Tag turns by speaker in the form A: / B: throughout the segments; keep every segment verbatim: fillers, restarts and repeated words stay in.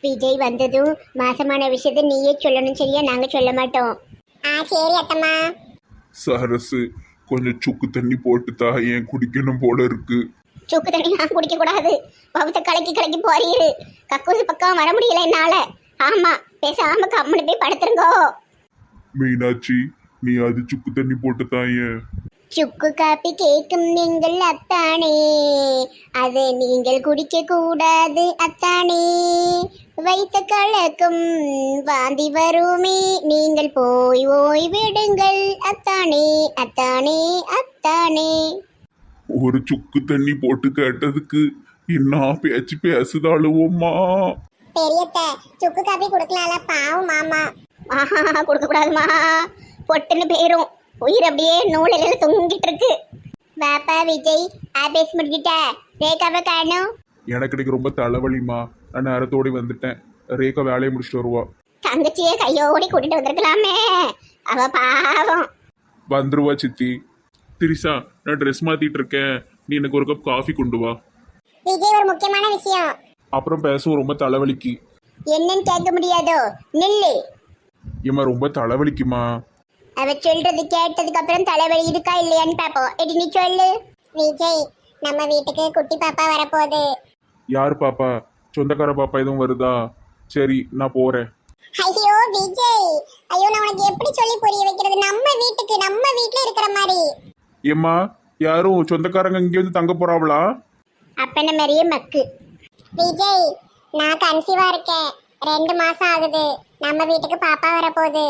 A: விஜய் வந்ததும் மாசமான விஷயத்த நீயே சொல்லணும், சரியா? நாங்க சொல்ல மாட்டோம். ஆ சரி அத்தம்மா.
B: சரசு, கொஞ்சம் சுக்கு தண்ணி போட்டுத்தா, ஏன் குடிக்கணும் போல இருக்கு.
A: சுக்கு தண்ணி நான் குடிக்க கூடாது. பவுத்த கலக்கி கலக்கி போறீரு. கக்கூசு பக்கம் வர முடியல என்னால. ஆமா, பேசாம கம்முனு போய் படுத்துருங்கோ.
B: மீனாட்சி, நீ அது சுக்கு தண்ணி போட்டுத்தா ஏன்.
A: சுக்கு காப்பி கேட்கும் நீங்கள் அத்தானே, அதை நீங்கள் குடிக்க கூடாது அத்தானே. வைத்த கலக்கும் வாந்தி வருமே, நீங்கள் போய் ஓய் விடுங்கள் அத்தானே அத்தானே அத்தானே.
B: ஒரு சுக்கு தண்ணி போட்டு கேட்டதுக்கு என்ன பேச்சு பேசுதாளுவோம்மா.
A: பெரியத்த சுக்கு காப்பி கொடுக்கலாம்ல, பாவம் மாமா. ஆஹா, கொடுக்க கூடாதுமா, பொட்டுன்னு போயிரும். உயிர் அப்படியே நூலில் தொங்கிட்டு இருக்கு. பாப்பா விஜய் ஆபீஸ் முடிக்கிட்ட ரேகாவை காணும்.
B: எனக்கு இன்னைக்கு ரொம்ப தலைவலிமா, நான் நேரத்தோடி வந்துட்டேன். ரேகா வேலையை முடிச்சுட்டு வருவா.
A: தங்கச்சியை கையோடி கூட்டிட்டு வந்திருக்கலாமே, அவ பாவம்.
B: வந்துருவா சித்தி. திரிசா, நான் ட்ரெஸ் மாத்திட்டு இருக்கேன், நீ எனக்கு ஒரு கப் காஃபி கொண்டு வா.
A: விஜய் ஒரு முக்கியமான விஷயம்.
B: அப்புறம் பேசுவோம், ரொம்ப தலைவலிக்கு.
A: என்னன்னு கேட்க முடியாதோ, நில்லு.
B: ஏம்மா ரொம்ப தலைவலிக்குமா.
A: அவ சொல்றது கேட்டதுக்கு அப்புறம் தலைவலி இருக்கா இல்லையான்னு பாப்போம். எடி நீ சொல்லு. விஜய், நம்ம வீட்டுக்கு குட்டி பாப்பா வரப்போகுது.
B: யார் பாப்பா? சொந்தக்கார பாப்பா எதுவும் வருதா? சரி, நான் போறேன்.
A: ஐயோ விஜய், ஐயோ நான் உனக்கு எப்படி சொல்லி புரிய வைக்கிறது? நம்ம வீட்டுக்கு நம்ம வீட்டுல இருக்கிற மாதிரி.
B: ஏம்மா, யாரும் சொந்தக்காரங்க இங்கே வந்து தங்க போறாவளா?
A: அப்பன மாதிரியே மக்கு. விஜய், நான் கன்சீவா இருக்கேன், ரெண்டு மாசம் ஆகுது. நம்ம வீட்டுக்கு பாப்பா வரப்போகுது.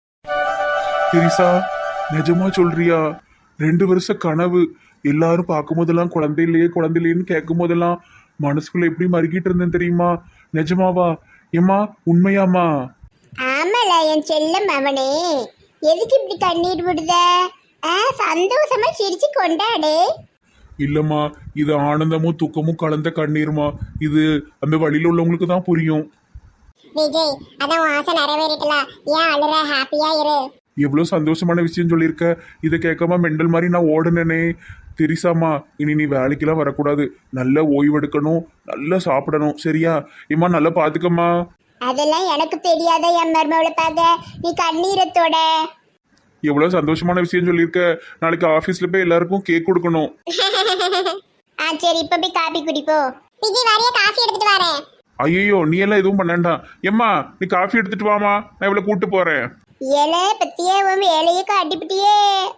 B: திரிசா, நிஜமா சொல்றியா? ரெண்டு வருஷ கனவு. எல்லாரும் பார்க்கும் போதெல்லாம் குழந்தை இல்லையே குழந்தை இல்லையேன்னு கேட்கும் போதெல்லாம் மனசுக்குள்ள எப்படி மறுக்கிட்டு இருந்தேன் தெரியுமா? நிஜமாவா? ஏம்மா உண்மையாமா?
A: ஆமால என் செல்லம் அவனே, எதுக்கு இப்படி கண்ணீர் விடுத? சந்தோஷமா சிரிச்சு கொண்டாடு.
B: இல்லம்மா, இது ஆனந்தமும் துக்கமும் கலந்த கண்ணீர்மா. இது அந்த வழியில உள்ளவங்களுக்கு தான் புரியும்.
A: விஜய், அதான் ஆசை நிறைவேறிட்டல, ஏன் அழுற? ஹாப்பியா இரு.
B: எவ்வளோ சந்தோஷமான விஷயம் சொல்லியிருக்க. இதை கேட்காம மெண்டல் மாதிரி நான் ஓடுனேனே. தெரிசாமா, இனி நீ வேலைக்கெல்லாம் வரக்கூடாது. நல்லா ஓய்வெடுக்கணும், நல்லா சாப்பிடணும், சரியா? இம்மா நல்லா பாத்துக்கம்மா.
A: அதெல்லாம் எனக்கு தெரியாத என் மருமவளை பார்க்க நீ கண்ணீரத்தோட.
B: எவ்வளோ சந்தோஷமான விஷயம் சொல்லியிருக்க. நாளைக்கு ஆஃபீஸில் போய் எல்லாருக்கும் கேக் கொடுக்கணும்.
A: ஆ சரி, இப்போ போய் காபி குடிப்போ. விஜய் வரைய காஃபி எடுத்துட்டு வரேன்.
B: ஐயோ, நீ எல்லாம் எதுவும் பண்ணாண்டா. எம்மா, நீ காஃபி எடுத்துட்டு வாமா, நான் இவ்வளோ கூட்டு போறேன்.
A: ஏலே பத்தியே உன் வேலையை காட்டிப்பிட்டியே.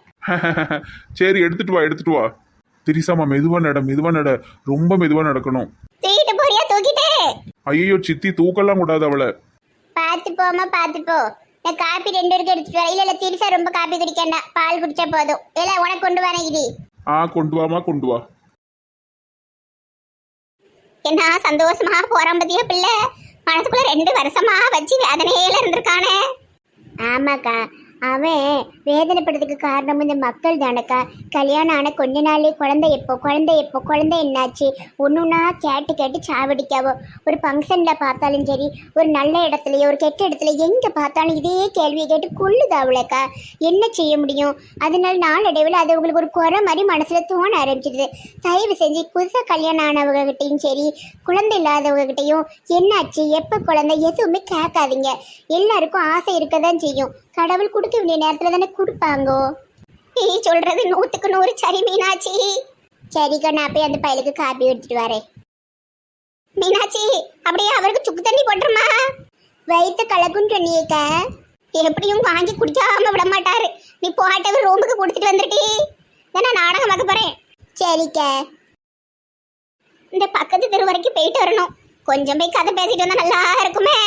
B: சரி, எடுத்துட்டு வா எடுத்துட்டு வா. திரிசாமா, மெதுவா நட மெதுவா நட, ரொம்ப மெதுவா நடக்கணும்.
A: தூக்கிட்டு போறியா? தூக்கிட்டு.
B: ஐயோ சித்தி, தூக்கலாம் கூடாது அவளை.
A: பார்த்து போமா, பார்த்து போ. நான் காப்பி ரெண்டு பேருக்கு எடுத்துட்டு வரேன். இல்ல இல்ல திரிசா ரொம்ப காப்பி குடிக்கண்டா, பால் குடிச்சா போதும். இல்ல உனக்கு கொண்டு வரேன். இது
B: ஆ, கொண்டு வாமா கொண்டு வா.
A: என்ன சந்தோஷமா போறான் பத்தியா பிள்ளை? மனசுக்குள்ள ரெண்டு வருஷமா வச்சு வேதனையில இருந்திருக்கானே. ஆமாக்கா, அவன் வேதனைப்படுறதுக்கு காரணம் இந்த மக்கள் தானக்கா. கல்யாணம் ஆன கொஞ்ச நாளே குழந்தை எப்போ குழந்தை எப்போ குழந்தை என்னாச்சு ஒன்றுன்னா கேட்டு கேட்டு சாவடிக்காவோ. ஒரு ஃபங்க்ஷனில் பார்த்தாலும் சரி, ஒரு நல்ல இடத்துலையோ ஒரு கெட்ட இடத்துல எங்கே பார்த்தாலும் இதே கேள்வியை கேட்டு கொள்ளுதாவுலக்கா. என்ன செய்ய முடியும்? அதனால நாளடைவில் அது உங்களுக்கு ஒரு குறை மாதிரி மனசில் தோண ஆரம்பிச்சிடுது. தயவு செஞ்சு புதுசாக கல்யாணம் ஆனவங்ககிட்டையும் சரி, குழந்தை இல்லாதவங்ககிட்டையும் என்னாச்சு எப்போ குழந்தை எதுவுமே கேட்காதீங்க. எல்லாருக்கும் ஆசை இருக்க தான் செய்யும். கடவுள் கொடுக்க வேண்டிய நேரத்துல தானே கொடுப்பாங்கோ. நீ சொல்றது நூத்துக்கு நூறு சரி மீனாட்சி. சரிக்கா, நான் போய் அந்த பையலுக்கு காப்பி எடுத்துட்டு வரேன். மீனாட்சி, அப்படியே அவருக்கு சுக்கு தண்ணி போட்டுருமா. வயிற்று கலக்குன்னு சொன்னியேக்கா, எப்படியும் வாங்கி குடிக்காம விட மாட்டாரு. நீ போட்டவர் ரூமுக்கு கொடுத்துட்டு வந்துருட்டி. நான் நாடகம் பார்க்க போறேன். சரிக்கா, இந்த பக்கத்து தெரு வரைக்கும் போயிட்டு வரணும். கொஞ்சம் போய் கதை பேசிட்டு வந்தா நல்லா இருக்குமே.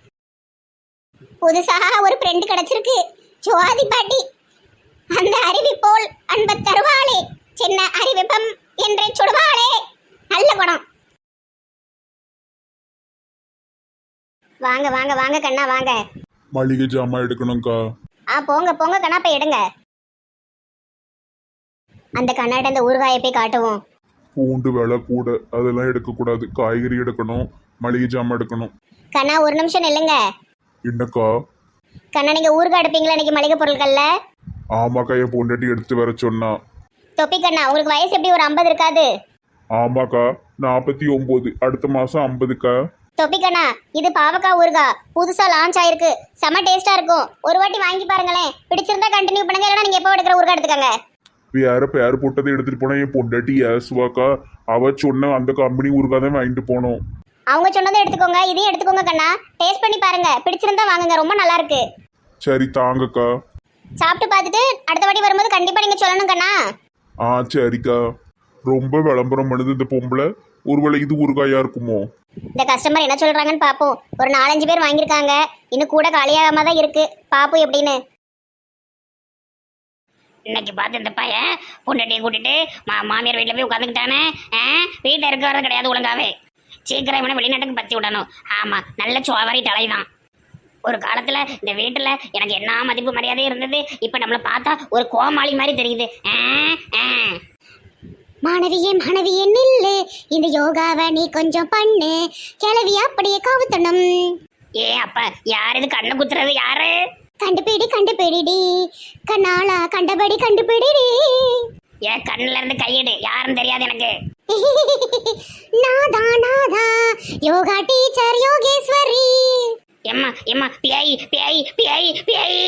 A: புதுசாக ஒரு ஃப்ரெண்டு கிடைச்சிருக்கு, ஜோதி பாட்டி. அந்த அறிவி போல் அன்ப தருவாளே, சின்ன அறிவிப்பம் என்றே சுடுவாளே. நல்ல குணம். வாங்க வாங்க வாங்க கண்ணா வாங்க.
B: மளிகை ஜாமான் எடுக்கணும்க்கா.
A: ஆ போங்க போங்க கண்ணா, போய் எடுங்க. அந்த கண்ணாட்ட அந்த ஊறுகாயை போய் காட்டுவோம்.
B: பூண்டு விலை கூட, அதெல்லாம் எடுக்கக்கூடாது. காய்கறி எடுக்கணும், மளிகை ஜாமான் எடுக்கணும்.
A: கண்ணா ஒரு நிமிஷம் நில்லுங்க.
B: என்னக்கா?
A: கண்ணா, நீங்க ஊறுகாய் எடுப்பீங்களா இன்னைக்கு மளிகை பொருட்கள்ல?
B: ஆமாக்கா, என் பொண்டாட்டி எடுத்து வர சொன்னா.
A: தொப்பி கண்ணா, உங்களுக்கு வயசு எப்படி ஒரு ஐம்பது இருக்காது?
B: ஆமாக்கா, நாற்பத்தி ஒன்பது. அடுத்த மாசம் ஐம்பதுக்கா.
A: தொப்பிக்கண்ணா இது பாவக்காய் ஊறுகாய் புதுசா லான்ச் ஆயிருக்கு செம டேஸ்டா இருக்கும் ஒரு வாட்டி வாங்கி பாருங்களேன் பிடிச்சிருந்தா கண்டினியூ பண்ணுங்க இல்லைன்னா நீங்க எப்போ எடுக்கிற ஊறுகாய் எடுத்துக்கங்க
B: வேற பேர் போட்டதை எடுத்துட்டு போனா என் பொண்டாட்டி ஏசுவாக்கா. அவ சொன்ன அந்த கம்பெனி ஊருக்காக தான் வாங்கிட்டு போனோம்.
A: அவங்க சொன்னதை எடுத்துக்கோங்க இதையும் எடுத்துக்கோங்க கண்ணா டேஸ்ட் பண்ணி பாருங்க பிடிச்சிருந்தா வாங்குங்க ரொம்ப நல்லா இருக்கு.
B: சரி தாங்கக்கா.
A: சாப்பிட்டு பார்த்துட்டு அடுத்த வாட்டி வரும்போது கண்டிப்பா நீங்க சொல்லணும் கண்ணா.
B: ஆ சரிக்கா. ரொம்ப விளம்பரம் பண்ணுது இந்த பொம்பளை. ஒருவேளை இது ஊறுகாயா இருக்குமோ?
A: இந்த கஸ்டமர் என்ன சொல்றாங்கன்னு பாப்போம். ஒரு நாலஞ்சு பேர் வாங்கியிருக்காங்க இன்னும் கூட காலியாகாம தான் இருக்கு பாப்போம் எப்படின்னு.
C: இன்னைக்கு பார்த்து இந்த பையன் பொண்டாட்டியை கூட்டிட்டு மா மாமியார் வீட்டில் போய் உட்காந்துக்கிட்டானே. வீட்டில் இருக்க வர கிடையாது ஒழுங்காவே. சீக்கிரம் இவனை வெளிநாட்டுக்கு பற்றி விடணும். ஆமாம் நல்ல சோவாரி தலைதான். ஒரு காலத்தில் இந்த வீட்டில் எனக்கு என்ன மதிப்பு மரியாதை இருந்தது. இப்போ நம்மளை பார்த்தா ஒரு கோமாளி மாதிரி தெரியுது. ஆ ஆ
A: மாணவியே மாணவியே நில்லு இந்த யோகாவை நீ கொஞ்சம் பண்ணு கிளவி அப்படியே காவுத்தணும்.
C: ஏ அப்பா யார் இது கண்ணை குத்துறது யாரு?
A: கண்டுபிடி கண்டுபிடிடி கண்ணாளா கண்டபடி கண்டுபிடிடி.
C: ஏன் கண்ணுல இருந்து கையெடு யாருன்னு தெரியாது எனக்கு.
A: நாதா நாதா யோகா டீச்சர் யோகேஸ்வரி.
C: எம்மா எம்மா பியாயி பியாயி பியாயி பியாயி.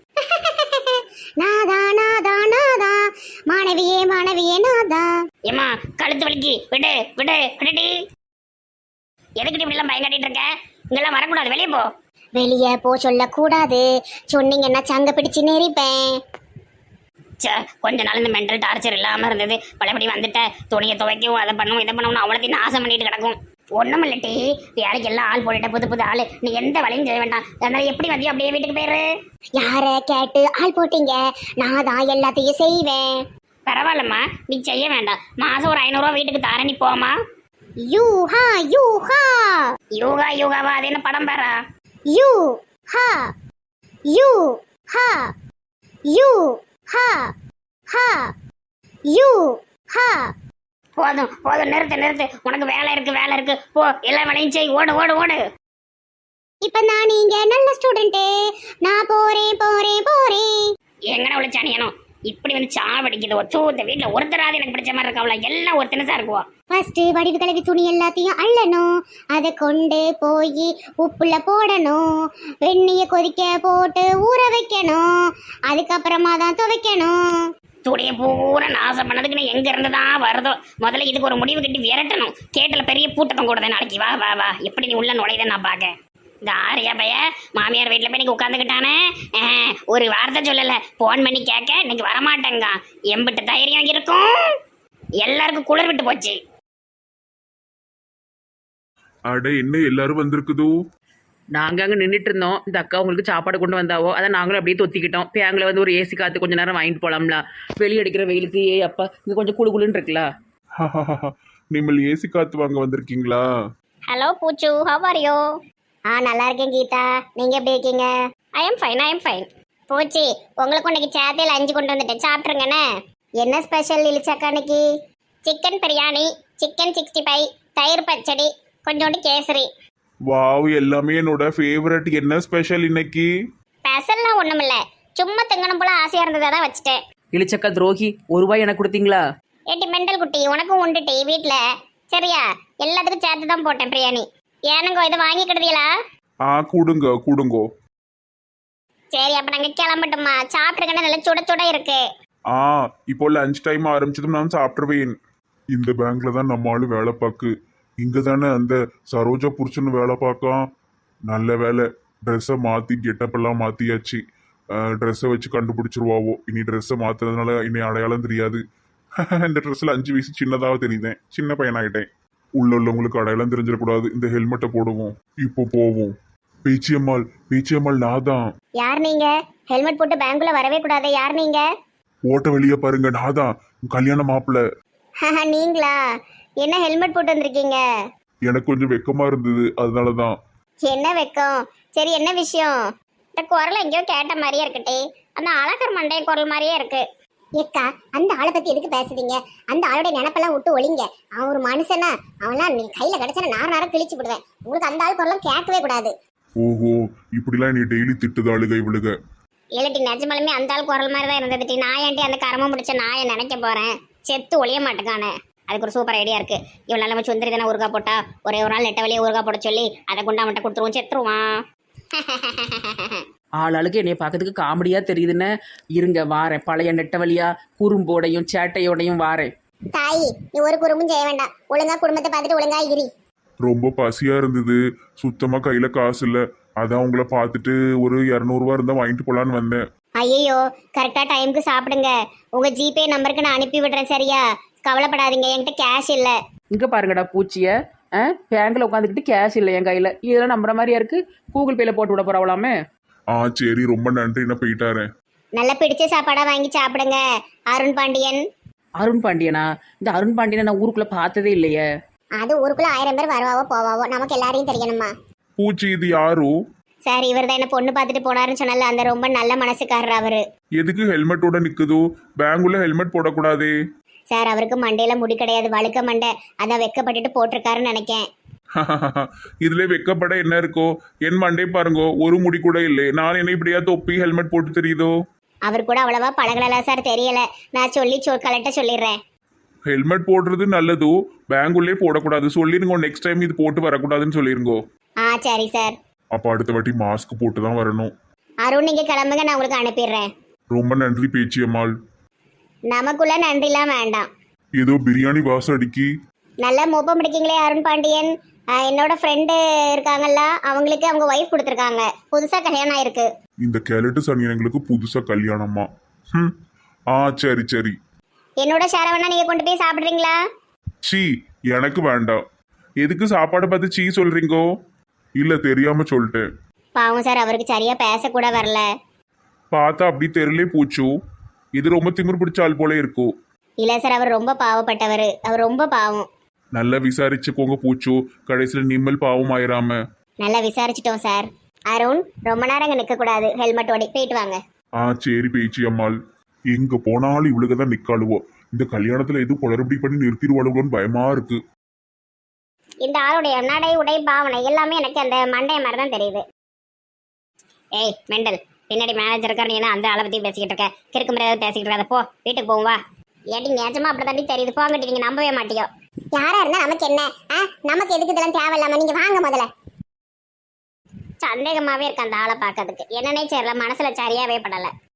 A: நாதா நாதா நாதா மாணவியே மாணவியே நாதா.
C: எம்மா கழுத்து வலிக்கு விடு விடு விடுடி. எதுக்கிட்ட இப்படி எல்லாம் பயம் கட்டிட்டு இருக்க? இங்கெல்லாம் வரக்கூடாது வெளியே போ.
A: வெளியே போ சொல்லக்கூடாது சொன்னீங்கன்னா சங்க பிடிச்சு நெறிப்பேன்.
C: சே கொஞ்ச நாள் இந்த மென்டல் டார்ச்சர் இல்லாமல் இருந்தது. பழையபடி வந்துட்ட துணியை துவைக்கவும் அதை பண்ணுவோம் இதை பண்ணுவோம்னு அவ்வளோத்தையும் நாசம் பண்ணிட்டு கிடக்கும். ஒன்றும் இல்லட்டி வேலைக்கு எல்லாம் ஆள் போட்டுட்ட புது புது ஆள். நீ எந்த வேலையும் செய்ய வேண்டாம். அதனால எப்படி வந்தியோ அப்படியே வீட்டுக்கு போயிரு.
A: யார கேட்டு ஆள் போட்டீங்க? நான் தான் எல்லாத்தையும் செய்வேன்.
C: பரவாயில்லம்மா நீ செய்ய வேண்டாம். மாதம் ஒரு ஐநூறுரூவா வீட்டுக்கு தார நீ போமா.
A: யூஹா யூஹா
C: யோகா யோகாவா அது என்ன படம் பாரா?
A: யூ ஹா யூ ஹா யூ ஹா ஹா யூ ஹா.
C: போதும் போதும் நிறுத்து நிறுத்து. உனக்கு வேலை இருக்கு வேலை இருக்கு போ எல்லா வேலையும் செய். ஓடு ஓடு ஓடு.
A: இப்ப நான் நீங்க நல்ல ஸ்டூடெண்ட். நான் போறேன் போறேன் போறேன்.
C: எங்கன உள்ள சனியனும் இப்படி வந்து சாவடிக்குது. ஒத்து இந்த வீட்டில் ஒருத்தராது எனக்கு பிடிச்ச மாதிரி இருக்காவல எல்லாம் ஒரு தினசா இருக்குவா.
A: ஃபர்ஸ்ட் வடிவு கலவி துணி எல்லாத்தையும் அள்ளணும். அதை கொண்டு போய் உப்புல போடணும். வெந்நிய கொதிக்க போட்டு ஊற வைக்கணும். அதுக்கப்புறமா தான் துவைக்கணும்.
C: துணியை பூரா நாசம் பண்ணதுக்கு நான் எங்க இருந்து தான் வருதோ. முதல்ல இதுக்கு ஒரு முடிவு கட்டி விரட்டணும். கேட்டல பெரிய பூட்டத்தம் கூடதே நாளைக்கு. வா வா வா எப்படி நீ உள்ள நுழையுத நான் பார்க்க. இந்த ஆரியா பைய மாமியார் வீட்டில் போய் இன்னைக்கு உட்காந்துக்கிட்டானே. ஒரு வார்த்தை சொல்லலை. ஃபோன் பண்ணி கேட்க இன்னைக்கு வரமாட்டேங்க. எம்பிட்டு தைரியம் இருக்கும். எல்லாருக்கும் குளிர் விட்டு போச்சு.
B: அட என்ன எல்லாரும் வந்திருக்குதோ.
D: நாங்கள் அங்கே நின்றுட்டு இருந்தோம். இந்த அக்கா உங்களுக்கு சாப்பாடு கொண்டு வந்தாவோ அதை நாங்களும் அப்படியே தொத்திக்கிட்டோம். பேங்கில் வந்து ஒரு ஏசி காற்று கொஞ்சம் நேரம் வாங்கிட்டு போகலாம்ல. வெளியே அடிக்கிற வெயிலுக்கு ஏ அப்பா இங்கே கொஞ்சம் குளு குளுன்னு இருக்குல்ல.
B: நீங்கள் ஏசி காத்து வாங்க வந்திருக்கீங்களா?
C: ஹலோ பூச்சு ஹவ் ஆர் யூ?
A: ஆ நல்லா இருக்கேன் கீதா. நீங்க எப்படி இருக்கீங்க?
C: I am fine I am fine.
A: போச்சு உங்களுக்கு இன்னைக்கு சேத்தையில் அஞ்சு கொண்டு வந்துட்டேன் சாப்பிட்ருங்கண்ணே. என்ன ஸ்பெஷல் இழிச்சாக்கா இன்னைக்கு?
C: Chicken biryani, chicken sixty five, தயிர் பச்சடி, கொஞ்சோண்டு கேசரி.
B: வாவ் எல்லாமே என்னோட ஃபேவரட். என்ன ஸ்பெஷல் இன்னைக்கு?
C: ஸ்பெஷல்லாம் ஒன்றும் இல்லை. சும்மா திங்கணும் போல ஆசையாக இருந்ததை தான் வச்சுட்டேன்.
D: இளிச்சக்கா துரோகி ஒரு ரூபாய் எனக்கு கொடுத்தீங்களா?
C: ஏட்டி மெண்டல் குட்டி உனக்கும் உண்டுட்டி வீட்டில் சரியா? எல்லாத்துக்கும் சேர்த்து தான் போட்டேன் பிரியாணி. ஏனுங்கோ இதை வாங்கிக்கிடுதீங்களா?
B: ஆ கொடுங்க கொடுங்கோ.
C: சரி அப்போ நாங்கள் கிளம்பட்டுமா? சாப்பிட்ருக்கேன்னா நல்லா சுட சுட இருக்கு.
B: ஆ இப்போ லஞ்ச் டைம் ஆரம்பிச்சதும் நான் சாப்பிட்டுருவேன். இந்த பேங்க்ல தான் நம்ம ஆளு வேலை பார்க்கு. இங்க தானே அந்த சரோஜா புருஷன் வேலை பார்க்கான். நல்ல வேலை ட்ரெஸ்ஸை மாற்றி கெட்டப்பெல்லாம் மாற்றியாச்சு. ட்ரெஸ்ஸை வச்சு கண்டுபிடிச்சிருவாவோ. இனி ட்ரெஸ்ஸை மாற்றுறதுனால இனி அடையாளம் தெரியாது. இந்த ட்ரெஸ்ஸில் அஞ்சு வயசு சின்னதாக தெரியுதேன். சின்ன பையனாகிட்டேன். உள்ள உள்ளவங்களுக்கு அடையாளம் தெரிஞ்சிடக்கூடாது. இந்த ஹெல்மெட்டை போடுவோம். இப்போ போவோம். பேச்சியம்மாள் பேச்சியம்மாள் நான் தான்.
A: யார் நீங்க? ஹெல்மெட் போட்டு பேங்க்குள்ள வரவே கூடாது. யார் நீங்க?
B: ஓட்ட வெளியே பாருங்க. நான் தான் கல்யாண மாப்பிள்ள.
A: நீங்களா? என்ன ஹெல்மெட் போட்டு வந்திருக்கீங்க?
B: எனக்கு கொஞ்சம் வெக்கமா இருந்தது அதனால தான்.
A: என்ன வெக்கம்? சரி என்ன விஷயம்?
C: இந்த குரல் எங்கேயோ கேட்ட மாதிரியே இருக்கட்டே. அந்த அழகர் மண்டைய குரல் மாதிரியே இருக்கு.
A: ஏக்கா அந்த ஆளை பத்தி எதுக்கு பேசுறீங்க? அந்த ஆளுடைய நினைப்பெல்லாம் விட்டு ஒளிங்க. அவன் ஒரு மனுஷனா? அவன்லாம் நீ கையில கிடைச்சா நார் நாரம் கிழிச்சு விடுவேன். உங்களுக்கு அந்த ஆள் குரலாம் கேட்கவே கூடாது.
B: ஓஹோ இப்படிலாம் நீ டெய்லி திட்டுது ஆளுக இவளுக.
C: இல்லட்டி நிஜமாலுமே அந்த ஆள் குரல் மாதிரி தான் இருந்ததுட்டி. நான் ஏன்ட்டி அந்த கரமம் முடிச்ச நாயை நினைக்க போறேன். செத்து ஒளிய மாட்டேக்கானே.
A: அதுக்கு ஒரு சூப்பர் ஐடியா இருக்கு. இவ்வளோ நம்ம சுந்தரி தானே ஊறுகாய் போட்டா ஒரே ஒரு நாள் நெட்ட வழியே ஊறுகாய் போட சொல்லி அதை கொண்டு அவன்கிட்ட கொடுத்துருவோம், செத்துருவான்.
D: ஆளாளுக்கு என்னைய பார்க்கறதுக்கு காமெடியாக தெரியுதுன்னு இருங்க வாரேன். பழைய நெட்டவழியா குறும்போடையும் சேட்டையோடையும் வாரேன்.
A: தாய், நீ ஒரு குறும்பும் செய்ய வேண்டாம். ஒழுங்கா குடும்பத்தை பார்த்துட்டு ஒழுங்கா இரு.
B: ரொம்ப பசியா இருந்தது, சுத்தமா கையில காசு இல்ல. அதான் உங்களை பார்த்துட்டு ஒரு இரநூறுவா இருந்தா வாங்கிட்டு போலான்னு வந்தேன்.
A: ஐயோ, கரெக்டா டைமுக்கு சாப்பிடுங்க. உங்க ஜிபே நம்பருக்கு நான் அனுப்பி விடுறேன், சரியா? கவலைப்படாதீங்க, என்கிட்ட கேஷ் இல்லை.
D: இங்கே பாருங்கடா பூச்சியை, ஆ பேங்கில் உட்காந்துக்கிட்டு கேஷ் இல்லை என் கையில். இதெல்லாம் நம்புற மாதிரியா இருக்கு? கூகுள் பேல போட்டு விட போறவளாமே.
B: ஆ சரி, ரொம்ப நன்றி, நான் போயிட்டாரேன்.
A: நல்லா பிடிச்ச சாப்பாடா வாங்கி சாப்பிடுங்க. அருண் பாண்டியன்.
D: அருண் பாண்டியனா? இந்த அருண் பாண்டியனை நான் ஊருக்குள்ளே பார்த்ததே இல்லையே.
A: அது ஊருக்குள்ள ஆயிரம் பேர் வருவாவோ போவாவோ, நமக்கு எல்லாரையும் தெரியணுமா?
B: பூச்சி இது யாரு?
A: சார், இவர் தான் என்ன பொண்ணு பார்த்துட்டு போனாருன்னு சொன்னால, அந்த ரொம்ப நல்ல மனசுக்காரர் அவரு.
B: எதுக்கு ஹெல்மெட்டோட நிக்குதோ? பேங்குள்ள ஹெல்மெட் போடக்கூடாதே.
A: சார், அவருக்கு மண்டையில முடி கிடையாது, வழுக்க மண்டை. அதான் வெக்கப்பட்டுட்டு போட்டிருக்காருன்னு நினைக்கேன்.
B: இதுல வெக்கப்பட என்ன இருக்கோ? என் மண்டே பாருங்கோ, ஒரு முடி கூட இல்லை. நான் என்ன இப்படியா தொப்பி ஹெல்மெட் போட்டு தெரியுதோ?
A: அவர் கூட அவ்வளவா பழகலாம் சார், தெரியல. நான் சொல்லி சொ கலெக்ட சொல்லிடுறேன்.
B: ஹெல்மெட் போடுறது நல்லதோ, பேங்குள்ளே போடக்கூடாது சொல்லிருங்கோ. நெக்ஸ்ட் டைம் இது போட்டு வரக்கூடாதுன்னு சொல்லிருங்கோ.
A: ஆ சரி சார்.
B: அப்ப அடுத்த வாட்டி மாஸ்க் போட்டு தான் வரணும்.
A: அருண், நீங்க கிளம்புங்க, நான் உங்களுக்கு அனுப்பிடுறேன்.
B: ரொம்ப நன்றி பேச்சியம்மாள்.
A: நமக்குள்ள நன்றிலாம் வேண்டாம்.
B: ஏதோ பிரியாணி வாசம் அடிக்கி.
A: நல்லா மோப்பம் பிடிக்கீங்களே அருண் பாண்டியன். ஆஹ், என்னோட ஃப்ரெண்டு இருக்காங்கல்ல, அவங்களுக்கு அவங்க ஒய்ஃப் கொடுத்துருக்காங்க. புதுசா கல்யாணம் ஆயிருக்கு.
B: இந்த கேலட்டு சனியனங்களுக்கு புதுசா கல்யாணமா? ம். ஆ சரி சரி.
A: என்னோட ஷேரை வேணா நீங்க கொண்டு போய் சாப்பிடுறீங்களா?
B: சீ, எனக்கு வேண்டாம். எதுக்கு சாப்பாடு பார்த்து சீ சொல்றீங்கோ? இல்ல தெரியாம சொல்லிட்டேன்.
A: பாவம் சார், அவருக்கு சரியா பேசக்கூட வரல.
B: பார்த்தா அப்படி தெருலே பூச்சு. இது ரொம்ப திமிர் பிடிச்ச ஆள் போல இருக்கும்.
A: இல்ல சார், அவர் ரொம்ப பாவப்பட்டவர். அவர் ரொம்ப பாவம்.
B: நல்லா விசாரிச்சுக்கோங்க பூச்சு, கடைசியில நிம்மல் பாவம் ஆயிராம.
A: நல்லா விசாரிச்சிட்டோம் சார். அருண், ரொம்ப நேரம் அங்கே நிற்கக்கூடாது, ஹெல்மெட் ஓடி போயிட்டு வாங்க.
B: ஆ சரி பேச்சி அம்மாள். எங்க போனாலும் இவளுக்கு தான் நிக்காளுவோ. இந்த கல்யாணத்துல எதுவும் குளறுபடி பண்ணி நிறுத்திடுவாளுவோன்னு பயமா இருக்கு.
A: இந்த ஆளுடைய நடை, உடை, பாவனை எல்லாமே எனக்கு அந்த மண்டைய மாதிரி தான் தெரியுது. ஏய் மெண்டல், பின்னாடி மேனேஜர் இருக்காரு, நீ என்ன அந்த ஆளை பத்தி பேசிக்கிட்டு இருக்க? கிறுக்கு முறையாவது பேசிக்கிட்டு இருக்காத, போ வீட்டுக்கு போவா. ஏடி நிஜமா அப்படி தாண்டி தெரியுது, போங்கட்டி. நீங்க நம்பவே மாட்டியோ. யாரா இருந்தா நமக்கு என்ன? நமக்கு எதுக்கு இதெல்லாம் தேவையில்லாம? நீங்க வாங்க முதல்ல. சந்தேகமாவே இருக்கு அந்த ஆளை பார்க்கறதுக்கு. என்னன்னே தெரியல, மனசுல சரியாவே படல.